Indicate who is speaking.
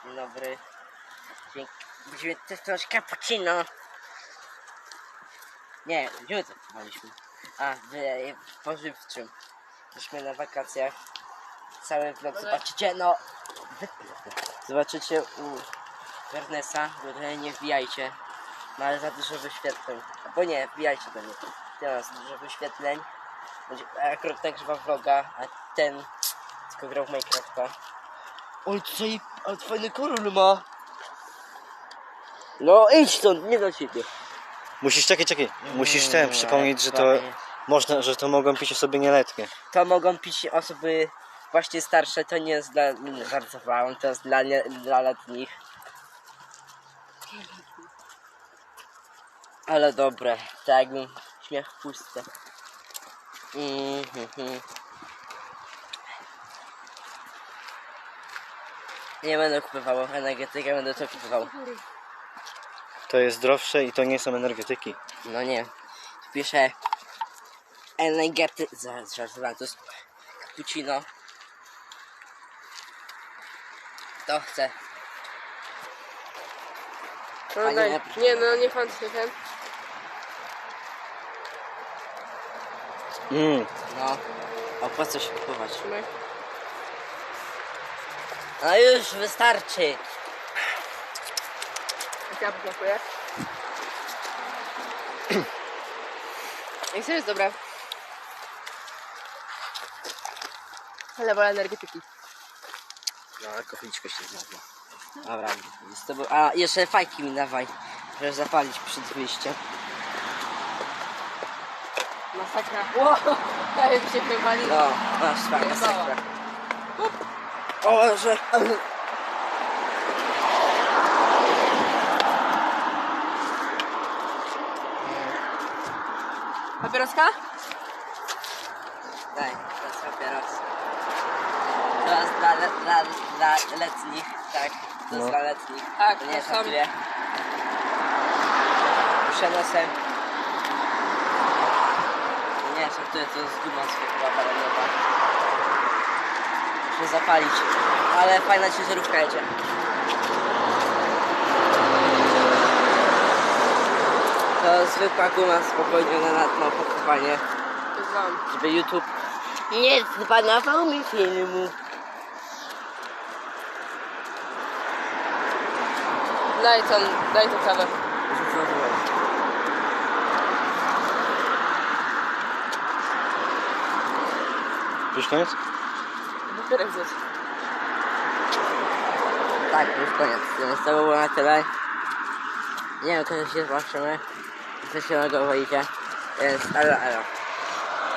Speaker 1: Dzień dobry. Będziemy testować cappuccino. Nie, gdzie testowaliśmy? A, w pożywczym. Jesteśmy na wakacjach. Cały vlog zobaczycie, no. Zobaczycie u Ernesta, bo tutaj nie wbijajcie. Ma ale za dużo wyświetleń. Albo nie, wbijajcie do mnie. Teraz dużo wyświetleń. Będzie akurat nagrywa vloga, a ten tylko grał w Minecrafta. Oj, tutaj ale fajny kolor ma. No idź stąd, nie do ciebie.
Speaker 2: Musisz, czekaj. Musisz przypomnieć, że to można, że to mogą pić osoby nieletnie.
Speaker 1: To mogą pić osoby właśnie starsze, to nie jest dla... Żartowałem, to jest dla letnich. Ale dobre, tak jakbym śmiech w pustce. Nie będę kupował energetykę, będę to kupował.
Speaker 2: To jest zdrowsze i to nie są energetyki.
Speaker 1: No nie. Tu pisze żartowałem, to jest cappuccino. Kto chce?
Speaker 3: No
Speaker 1: Pani
Speaker 3: daj.
Speaker 1: napisze.
Speaker 3: Nie, no nie pan się ten.
Speaker 1: No. A po co się kupować?
Speaker 3: Trzymaj.
Speaker 1: No już wystarczy.
Speaker 3: Jak ja posmakuję. I co jest dobre. Ale wolę energetyki.
Speaker 1: No, alkoholiczko się znalazła. Dobra, z tobą... A, jeszcze fajki mi dawaj, żeby zapalić przed wyjściem.
Speaker 3: Masakra. Wow, prawie się wywali.
Speaker 1: No, masz fajna masakra. O, że...
Speaker 3: Papieroska?
Speaker 1: Daj, to jest papieros. To jest dla letnich, tak. To jest
Speaker 2: No.
Speaker 1: dla letnich.
Speaker 3: Tak,
Speaker 1: To nie
Speaker 3: to
Speaker 1: jest
Speaker 3: są-
Speaker 1: na tyle. Przenosem. Nie, żartuję, to jest guma zwykła balonowa. Muszę zapalić. Ale fajna ciężarówka jedzie. To zwykła guma spokojnie na opakowanie,
Speaker 3: To znam.
Speaker 1: żeby YouTube nie zbanował mi filmu.
Speaker 3: Daj tą kawę.
Speaker 2: Już koniec?
Speaker 3: Papierek zjedz.
Speaker 1: Tak, już koniec. Więc to było na tyle. Nie wiem, kiedy się zobaczymy. Co się nowego wyjdzie. Więc elo.